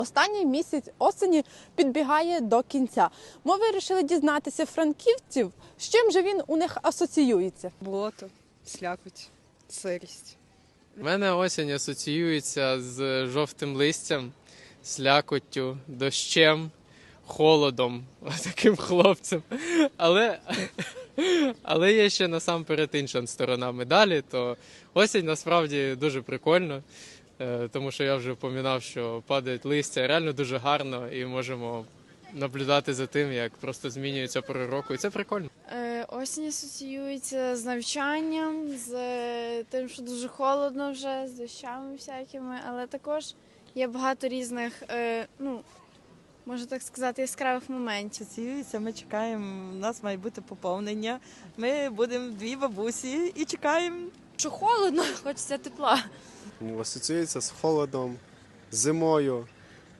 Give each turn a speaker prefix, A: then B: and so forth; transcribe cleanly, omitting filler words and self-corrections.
A: Останній місяць осені підбігає до кінця. Ми вирішили дізнатися франківців, з чим же він у них асоціюється.
B: Болото, слякоть, сирість.
C: У мене осінь асоціюється з жовтим листям, слякоттю, дощем, холодом, таким хлопцем. Але є ще насамперед інша сторона медалі, то осінь насправді дуже прикольно, тому що я вже впоминав, що падають листя, реально дуже гарно і можемо наблюдати за тим, як просто змінюється пора року, і це прикольно.
D: Осінь асоціюється з навчанням, з тим, що дуже холодно вже, з дощами всякими, але також є багато різних, можна так сказати, яскравих моментів.
E: Асоціюється, ми чекаємо, у нас має бути поповнення. Ми будемо дві бабусі і чекаємо.
D: Що холодно, хочеться тепла.
F: Асоціюється з холодом, з зимою,